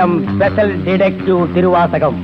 Special detective Thiruvasagam.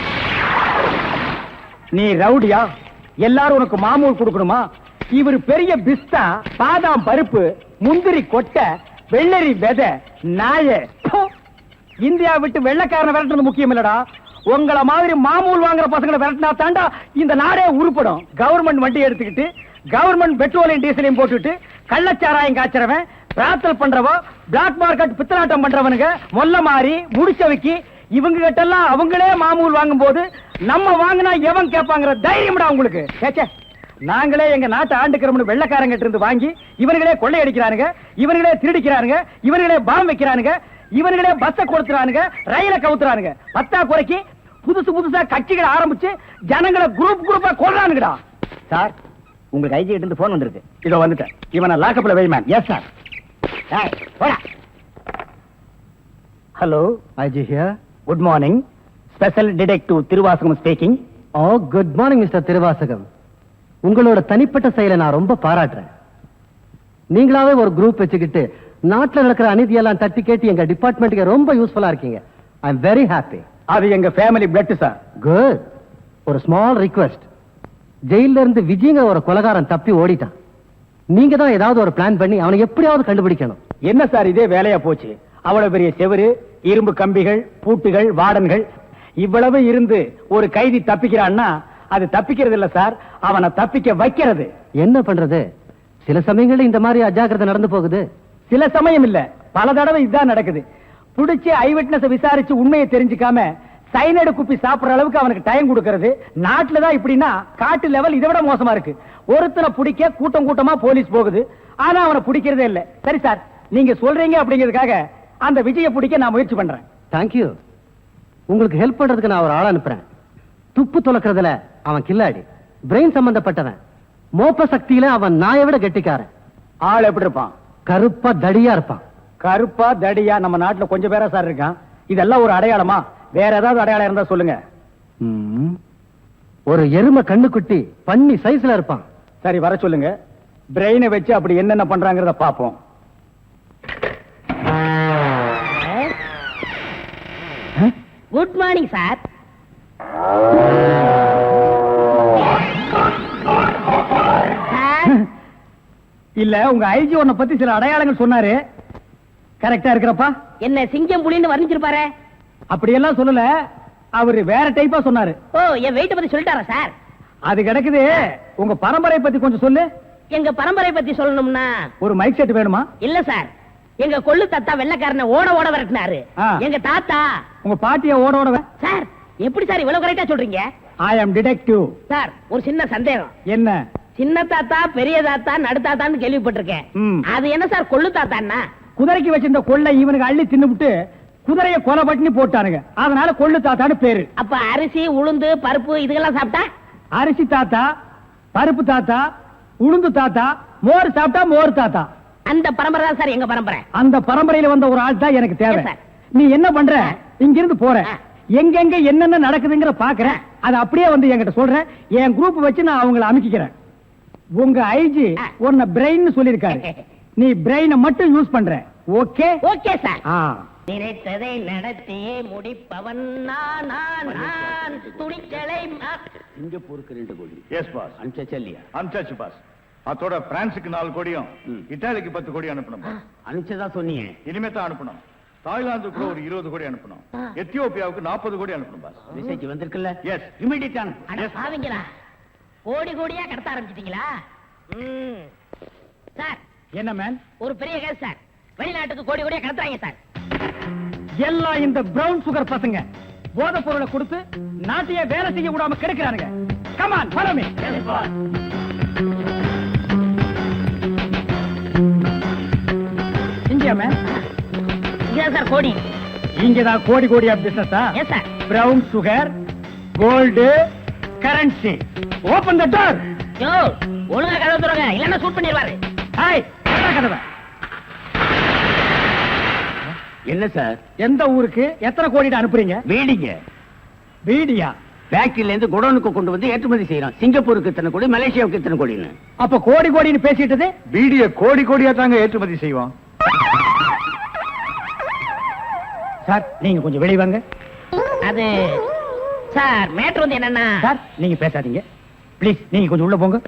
நீ ரவுடியா? எல்லாரும் உனக்கு மாமூல் கொடுக்கணுமா? இவர் பெரிய பிஸ்தா, பாதாம் பருப்பு, முந்திரி கொட்டை, வெள்ளரி விதை, நாய. இந்தியா விட்டு வெள்ளைக்காரனை விரட்டுறது முக்கியம் இல்லடா. உங்களை மாதிரி மாமூல் வாங்குற பசங்களை விரட்டினா தாண்டா இந்த நாடே உருப்படும். கவர்மெண்ட் வண்டி எடுத்துக்கிட்டு கவர்மெண்ட் பெட்ரோலையும் டீசலையும் போட்டுட்டு கள்ளச்சாராயம் காய்ச்சறவன், பிரார்த்தல் பண்றவோ, பிளாக் மார்க்கெட் பித்தலாட்டம் பண்றவனுங்க, மொல்ல மாறி முடிச்சவைக்கு இவங்க கிட்ட எல்லாம் அவங்களே மாமூல் வாங்கும் போது நம்ம வாங்கினா எவன் கேட்பாங்கிற தைரியம்டா உங்களுக்கு. கேச்சே, நாங்களே எங்க நாட்டை ஆண்டுக்கிறோம்னு வெள்ளைக்காரங்கிட்ட இருந்து வாங்கி இவனுங்களே கொள்ளையடிக்கிறானுங்க, இவனுங்களே திருடிக்கிறானுங்க, இவனுங்களே பாம் வைக்கிறானுங்க, இவனுங்களே பஸ்ஸை கொடுத்துறானுங்க, ரயில கவுத்துறானுங்க. பத்தா குறைக்கு புதுசா கட்சிகளை ஆரம்பிச்சு ஜனங்களை குரூப்பா கொள்றானுங்கடா. சார், உங்களுக்கு ஐஜி கிட்ட இருந்து போன் வந்திருக்கு. இதோ வந்துட்டேன். இவனை லாக்கப்ல வை ma'am. Yes sir. Hello, IG here. Good morning. Special detective Thiruvasagam speaking. Oh, good morning mister Thiruvasagam. உங்களோட தனிப்பட்ட செயலை நான் ரொம்ப பாராட்டுறேன். நீங்களாவே ஒரு குரூப் வச்சுக்கிட்டு நாட்டில் நடக்கிற அநீதியெல்லாம் தட்டி கேட்டு எங்க டிபார்ட்மெண்ட்டுக்கு ரொம்ப யூஸ்ஃபுல்லா இருக்கீங்க. I am very happy. அது எங்க ஃபேமிலி பிளட் சார். குட். ஒரு ஸ்மால் ரிக்வெஸ்ட். ஜெயில இருந்து விஜயங்க ஒரு கொலைகாரன் தப்பி ஓடிட்டான். நீங்க தான் ஏதாவது ஒரு பிளான் பண்ணி அவனை எப்படியாவது கண்டுபிடிக்கணும். என்ன சார் இதே வேலையா போச்சு? அவ்வளவு பெரிய செவரு, இரும்பு கம்பிகள், பூட்டுகள், வார்டன்கள் இவ்வளவு இருந்து ஒரு கைதி தப்பிக்கிறான்னா அது தப்பிக்கிறது இல்ல சார், அவனை தப்பிக்க வைக்கிறது. என்ன பண்றது? சில சமயங்கள்ல இந்த மாதிரி அஜாக்கிரதை நடந்து போகுது. சில சமயம் இல்ல, பல தடவை இதுதான் நடக்குது. புடிச்சு ஐ விட்னஸ் விசாரிச்சு உண்மையை தெரிஞ்சுக்காம சைனடு குப்பி சாப்பிடுற அளவுக்கு அவனுக்கு டைம் கொடுக்கிறது. நாட்டுல தான் இப்படின்னா காட்டு லெவல் இதை விட மோசமா இருக்கு. ஒருத்தனை பிடிக்க கூட்டமா போலீஸ் போகுது, ஆனா அவனை பிடிக்கிறதே இல்ல. சரி சார், நீங்க சொல்றீங்க அப்படிங்கிறதுக்காக அந்த விஜய பிடிக்க நான் முயற்சி பண்றேன். தேங்க்யூ. உங்களுக்கு ஹெல்ப் பண்றதுக்கு நான் ஒரு ஆள் அனுப்புறேன். துப்பு துலக்கிறதுல அவன் கில்லாடி, பிரெயின் சம்பந்தப்பட்டவன். மோப்ப சக்தியில அவன் நாயை விட கெட்டிக்காரன். ஆள் எப்படி இருப்பான்? கருப்பா தடியா இருப்பான். கருப்பா தடியா நம்ம நாட்டுல கொஞ்சம் பேரா சார் இருக்கான். இதெல்லாம் ஒரு அடையாளமா? வேற ஏதாவது அடையாளம் இருந்தா சொல்லுங்க. ஒரு எருமை கண்ணுக்குட்டி பன்னி சைஸ்ல இருப்பான். சரி, வர சொல்லுங்க. பிரெயினை வச்சு அப்படி என்னென்ன பண்றாங்கறத பாப்போம். Good morning sir. இல்ல, உங்க ஐஜி உன்னை பத்தி சில அடையாளங்கள் சொன்னாரு. கரெக்டா இருக்கிறப்பா? என்ன சிங்கம் புலின்னு வர்ணிச்சிருப்பாரு? அப்படி எல்லாம் சொல்லல, அவரு வேற டைப்பா சொன்னாரு. ஓ, என் வெயிட்ட பத்தி சொல்லிட்டாரா சார்? அது கிடக்குது. உங்க பரம்பரை பத்தி கொஞ்சம் சொல்லு. எங்க பரம்பரை பத்தி சொல்லணும்னா ஒரு மைக் செட் வேணுமா? இல்ல சார், எங்க கொள்ளு தாத்தா வெள்ளைக்காரனை ஓட விரட்டினாரு. எங்க தாத்தா. உங்க பாட்டிய ஓட சார், எப்படி சார் இவ்வளவு கரெக்டா சொல்றீங்க? ஐ அம் டிடெக்டிவ். சார், ஒரு சின்ன சந்தேகம். என்ன? சின்ன தாத்தா, பெரிய தாத்தா, நடுத்தாத்தான்னு கேள்விப்பட்டிருக்கேன். அது என்ன சார் கொள்ளு தாத்தான்னா? குதிரைக்கு வச்சிருந்த கொள்ளை இவனுக்கு அள்ளி தின்னுபிட்டு குதிரைய கொலை பட்டினி போட்டானுங்க. அதனால கொள்ளு தாத்தான்னு பேரு. அப்ப அரிசி, உளுந்து, பருப்பு இதுக்கெல்லாம் சாப்பிட்டா? அரிசி தாத்தா, பருப்பு தாத்தா, உளுந்து தாத்தா, மோர் சாப்பிட்டா மோர் தாத்தா. அந்த பரம்பரை தான் சார் எங்க பரம்பரை. அந்த பரம்பரையில வந்த ஒரு ஆள் தான் எனக்கு தேவை. நீ என்ன பண்ற? இங்கிருந்து போற, எங்கெங்க என்னென்ன நடக்குதுங்கிற பாக்குறேன். அது அப்படியே வந்து என்கிட்ட சொல்றேன். என் குரூப் வச்சு நான் அவங்களை அமைக்கிறேன். உங்க ஐஜி உன்னை பிரெயின் சொல்லிருக்காரு. நீ பிரெயினை மட்டும் யூஸ் பண்ற. ஓகே? Okay sir. நினைத்ததை நடத்தியே முடிப்பவன் நான். துணிச்சலை சிங்கப்பூருக்கு 2 கோடி. S boss. அனுப்பிச்சா இல்லையா? அனுப்பிச்சாச்சு பாஸ். அதோட பிரான்ஸுக்கு 4 கோடியும் இத்தாலிக்கு 10 கோடி அனுப்பணும். அனுப்பிச்சதா சொன்னீங்க. இனிமே தான் அனுப்பணும். தாய்லாந்துக்கு கூட ஒரு 20 கோடி அனுப்பணும். எத்தியோப்பியாவுக்கு 40 கோடி அனுப்பணும் பாஸ். மெசேஜ் வந்திருக்குல்ல? எஸ். இமிடியேட்டா பாவீங்களா? கோடி கோடியா கடத்த ஆரம்பிச்சிட்டீங்களா? சார், என்ன மேன்? ஒரு பெரிய கேஸ் சார். வெளிநாட்டுக்கு கோடி கோடியா கடத்துறாங்க சார். எல்லாம் இந்த பிரவுன் சுகர் பசங்க போதை பொருளை கொடுத்து நாட்டையே வேலை செய்ய விடாம கெடுக்கிறானுங்க. Come on, follow me. இங்கயா மேன்? இங்கதான் சார் கோடி. இங்கதான் கோடி கோடியா பிசினஸா? Yes sir. Brown sugar, gold, currency. Open the door. Yo, ஒழுங்கா கதவை திறங்க, இல்லன்னா ஷூட் பண்ணிடுவாரு. ஹாய், கதவை. என்ன சார்? எந்த ஊருக்கு எத்தனை கோடி அனுப்புறீங்க? வீடிங்க. வீடியா? ஃபேக்டரியில இருந்து குடோனுக்கு கொண்டு வந்து ஏற்றுமதி செய்யறோம். சிங்கப்பூருக்கு இத்தனை கோடி, மலேசியாவுக்கு இத்தனை கோடின்னு. அப்ப கோடி கோடின்னு பேசிட்டது? வீடிய கோடி கோடியா தாங்க ஏற்றுமதி செய்வோம். சார் நீங்க கொஞ்சம் வெளிய வாங்க. அது சார் மேட்ரு வந்து என்னன்னா சார் நீங்க பேசாதீங்க ப்ளீஸ், நீங்க கொஞ்சம் உள்ள போங்க.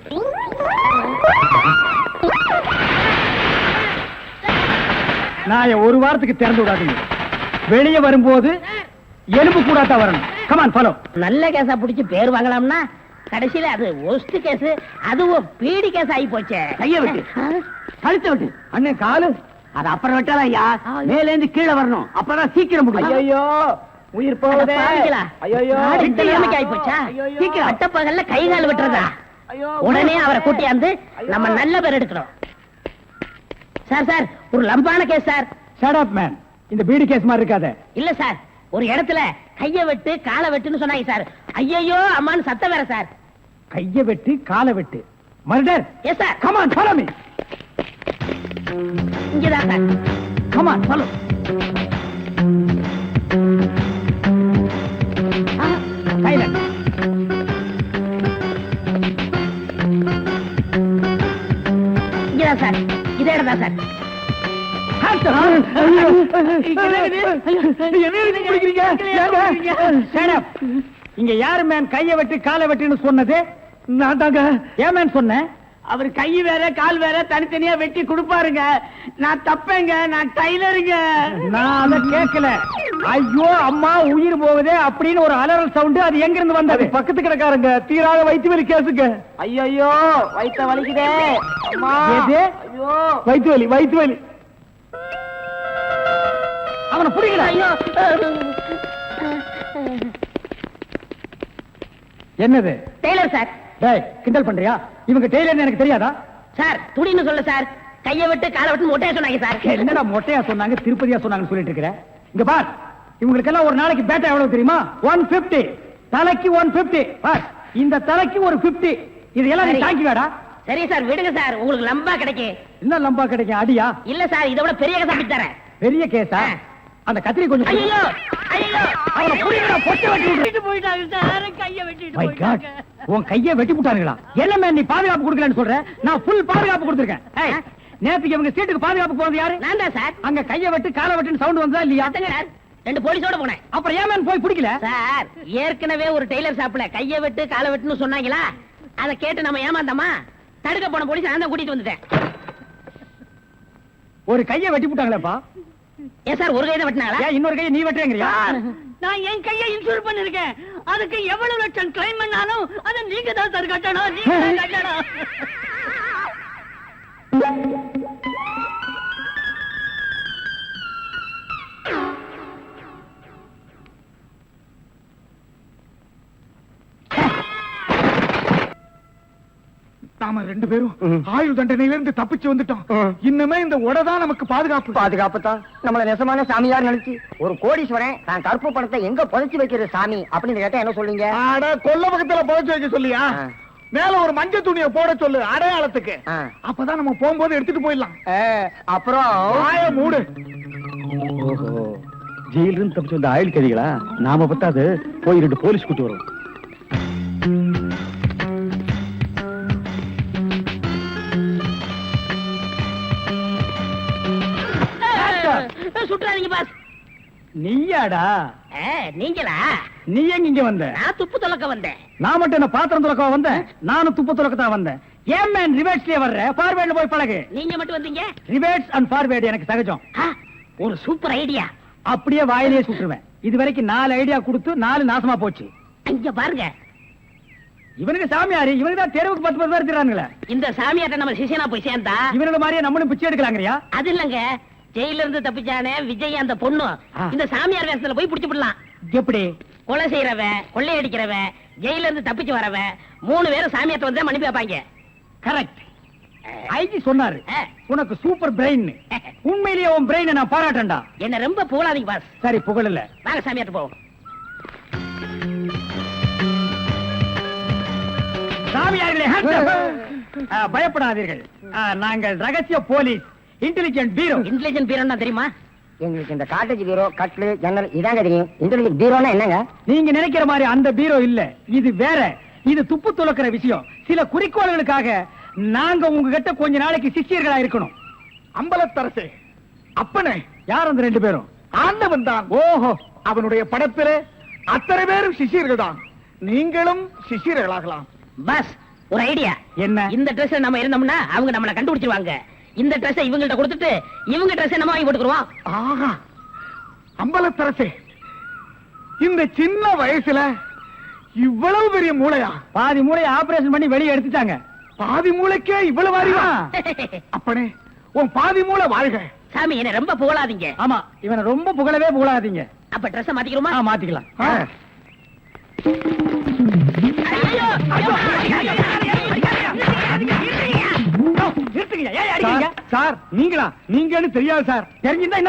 நான் ஒரு வாரத்துக்கு திறந்து விடாதீங்க. வெளியே வரும்போது எலும்பு கூடாதான் வரணும். Come on follow. நல்ல கேஸா புடிச்சு பேர் வாங்கலாம்னா கடைசியில அது ஒஸ்ட் கேஸ், அதுவும் பீடி கேஸ் ஆகி போச்சே. கைய விட்டு கழுத்த விட்டு அண்ணன் காலு. அது அப்புறம் விட்டாலும் ஐயா மேல இருந்து கீழே வரணும், அப்பதான் சீக்கிரம் முடியும். ஐயோ உயிர் போகுதே. ஐயோ இந்த நிலைமைக்கு ஆகி போச்சா? சீக்கிரம் அட்டப்பகல்ல கை கால் விட்டுறதா? ஐயோ உடனே அவரை கூட்டியாந்து நம்ம நல்ல பேர் எடுக்கணும். சார் சார் ஒரு லம்பான case sir. Shut up man. இந்த பீடி கேஸ் மாதிரி இருக்காத. இல்ல சார், ஒரு இடத்துல கைய வெட்டு காலை வெட்டுன்னு சொன்னாங்க சார். ஐயோ அம்மான்னு சத்தம் வேற சார். கைய வெட்டு காலை வெட்டு murder. Yes sir. Come on follow me. இங்கதான் சார். Come on follow. சைலண்ட். இங்கதான் சார். இதே இடம் தான் சார். இங்க யாரு மேன் கைய வெட்டு காலை வெட்டுன்னு சொன்னது? நான் தாங்க. ஏன் மேன் சொன்னேன்? அவர் கை வேற கால் வேற தனித்தனியா வெட்டி கொடுப்பாருங்க. நான் தப்பேங்க, நான் டைலருங்க. நான் அத கேட்கல. ஐயோ அம்மா உயிர் போகுதே அப்படின்னு ஒரு அலறல் சவுண்ட். அது எங்க இருந்து வந்தது? பக்கத்து கிடக்காரங்க தீராத வயிற்று வலி கேசுங்க. ஐயோ வயித்த வலிக்குதே அம்மா. எது? ஐயோ வயிற்று வலி வயிற்று வலி. அவனை புடிக்கல. ஐயோ என்னது? Tailor sir. டேய் கிண்டல் பண்றியா? இவங்க டெய்லர்னு எனக்கு தெரியாதா? சார் துடின்னு சொல்ல சார். கைய விட்டு காலை விட்டு மொட்டையா சொன்னாங்க சார். என்னடா மொட்டையா சொன்னாங்க திருப்பதியா சொன்னாங்கன்னு சொல்லிட்டு இருக்கிற? இங்க பார், இவங்களுக்கெல்லாம் ஒரு நாளைக்கு பேட்டா எவ்வளவு தெரியுமா? 150. தலைக்கு 150. பார், இந்த தலைக்கு ஒரு 50. இதெல்லாம் நீ சரி. தாங்கி வேடா. சரி சார் விடுங்க சார், உங்களுக்கு லம்பா கிடைக்கும். என்ன லம்பா கிடைக்கும்? அடியா? இல்ல சார், இதை விட பெரிய கதை தரேன். பெரிய கேஸா? அந்த கத்திரி கொஞ்சம் கொடு. ஐயோ ஐயோ அவனை புடிங்கடா, பொட்டை வெட்டி விடு. போயிட்டாங்க சார். கைய வெட்டிட்டு My God, உன் கையை வெட்டி விட்டானுங்களா? என்ன மேன் நீ பாதுகாப்பு கொடுக்கலன்னு சொல்ற? நான் ஃபுல் பாதுகாப்பு கொடுத்திருக்கேன். ஏய், நேத்துக்கு இவங்க சீட்டுக்கு பாதுகாப்பு போனது யாரு? நான் தான் சார். அங்க கையை வெட்டு காலை வெட்டுன்னு சவுண்ட் வந்ததா இல்லையா? அத்தங்க சார், 2 போலீஸோட போனேன். அப்புறம் ஏன் மேன் போய் பிடிக்கல? சார் ஏற்கனவே ஒரு டெய்லர் ஷாப்ல கைய வெட்டு காலை வெட்டுன்னு சொன்னாங்களா, அதை கேட்டு நம்ம ஏமாந்தோமா? தடுக்க போன போலீஸ் நான் தான் கூட்டிட்டு வந்துட்டேன். ஒரு கையை வெட்டி விட்டாங்களேப்பா. ஏன் சார் ஒரு கையை வெட்டினாங்களா? ஏன் இன்னொரு கையை நீ வெட்டுறேங்கறியா? நான் என் கையை இன்சூர் பண்ணிருக்கேன். அதுக்கு எவ்வளவு லட்சம் கிளைம் பண்ணாலும் அதை நீங்க தான் சார் கட்டணும். நீங்க தான் கட்டணும். நாம 2 பேரும் ஆயுள் தண்டனையில இருந்து தப்பிச்சு வந்துட்டோம். இன்னுமே இந்த உடதான் நமக்கு பாதுகாப்பு. பாதுகாப்பு தான். நம்மள நெசமான சாமியார் நினைச்சு ஒரு கோடீஸ்வரன் தான் கருப்பு பணத்தை எங்க புதைச்சு வைக்கிறது சாமி அப்படின்னு கேட்டா என்ன சொல்லுங்க? ஆட கொல்ல பக்கத்துல புதைச்சு வைக்க சொல்லியா? மேல ஒரு மஞ்சள் துணியை போட சொல்லு அடையாளத்துக்கு. அப்பதான் நம்ம போகும்போது எடுத்துட்டு போயிடலாம். அப்புறம் ஆய மூடு. ஓஹோ, ஜெயில இருந்து தப்பிச்சு வந்த ஆயுள் கைதிகளா? நாம பத்தாது போய் 2 போலீஸ் கூட்டி வரும். சுற்றாதீங்க பாஸ். நீயாடா? நீங்களா? நீ எங்க இங்க வந்த? நான் துப்பு துலக்க வந்தேன். நான் மட்டும் என்ன பாத்திரம் துலக்க வந்தேன்? நானும் துப்பு துலக்கத்தான் வந்தேன். ஏன் மேன் ரிவர்ஸ்லயே வர்ற? ஃபார்வேர்ட்ல போய் பழகு. நீங்க மட்டும் வந்தீங்க? ரிவர்ஸ் அண்ட் ஃபார்வேர்ட் எனக்கு சகஜம். ஒரு சூப்பர் ஐடியா. அப்படியே வாயிலேயே சுட்டுருவேன். இது வரைக்கும் 4 ஐடியா கொடுத்து 4 நாசமா போச்சு. இங்க பாருங்க, இவனுக்கு சாமியாரு, இவனுக்கு தான் தெருவுக்கு 10 பேர் இருக்கிறானுங்களே. இந்த சாமியார்ட்ட நம்ம சிஷியனா போய் சேர்ந்தா இவனோட மாதிரியே நம்மளும் பிச்சை எடுக்கலாங்கறியா? அது இல்லங்க, ஜெயில இருந்து தப்பிச்சானே விஜய் அந்த பொண்ணு இந்த சாமியார் வேஷத்துல போய் புடிச்சு விடலாம். எப்படி? கொலை செய்யறவன், கொள்ளையடிக்கிறவன், ஜெயில இருந்து தப்பிச்சு வரவன் 3 பேரும் சாமியார்ட்ட வந்து மன்னிப்பு வைப்பாங்க. கரெக்ட். ஐஜி சொன்னாரு உனக்கு சூப்பர் பிரெயின். உண்மையிலேயே உன் பிரெயினை நான் பாராட்டேன்டா. என்ன ரொம்ப புகழாதீங்க பாஸ். சரி புகழல. வாங்க சாமியார்ட்ட போவோம். சாமியார்களே பயப்படாதீர்கள். நாங்கள் ரகசிய போலீஸ், இன்டெலிஜென்ட் பீரோ. இன்டெலிஜென்ட் பீரோன்னா தெரியுமா? எங்களுக்கு இந்த காட்டேஜ் பீரோ, கட்லு, ஜன்னல் இதாங்க தெரியும். இன்டெலிஜென்ட் பீரோனா என்னங்க? நீங்க நினைக்கிற மாதிரி அந்த பீரோ இல்ல, இது வேற. இது துப்பு துலக்கிற விஷயம். சில குறிக்கோள்களுக்காக நாங்க உங்ககிட்ட கொஞ்ச நாளைக்கு சிஷ்யர்களா இருக்கணும். அம்பலத்தரசே, அப்பனே, யார் அந்த 2 பேரும்? ஆண்டவன் தான். ஓஹோ, அவனுடைய படத்திலே அத்தனை பேரும் சிஷியர்கள் தான். நீங்களும் சிஷியர்களாகலாம். பஸ் ஒரு ஐடியா. என்ன? இந்த ட்ரெஸ் நம்ம இருந்தோம்னா அவங்க நம்மள கண்டுபிடிச்சிருவாங்க. இந்த ட்ரெஸ் இவங்கள்ட்ட கொடுத்துட்டு இவங்க ட்ரெஸ் நம்ம வாங்கி போட்டுக்குருவோம். ஆஹா, அம்பலத்தரசே, இந்த சின்ன வயசுல இவ்வளவு பெரிய மூளையா? பாதி மூளையை ஆபரேஷன் பண்ணி வெளியே எடுத்துட்டாங்க. பாதி மூளைக்கே இவ்வளவு அறிவா? அப்பனே, உன் பாதி மூளை வாழ்க. சாமி என்ன ரொம்ப புகழாதீங்க. ஆமா, இவனை ரொம்ப புகழவே புகழாதீங்க. அப்ப ட்ரெஸ் மாத்திக்கிறோமா? மாத்திக்கலாம். ஆ. ஐயோ, ஐயோ, ஐயோ, நிறுத்துங்க. ஏன் அடிக்கிறீங்க? சார், நீங்களா? நீங்கன்னு தெரியாது சார். தெரிஞ்சிருந்தா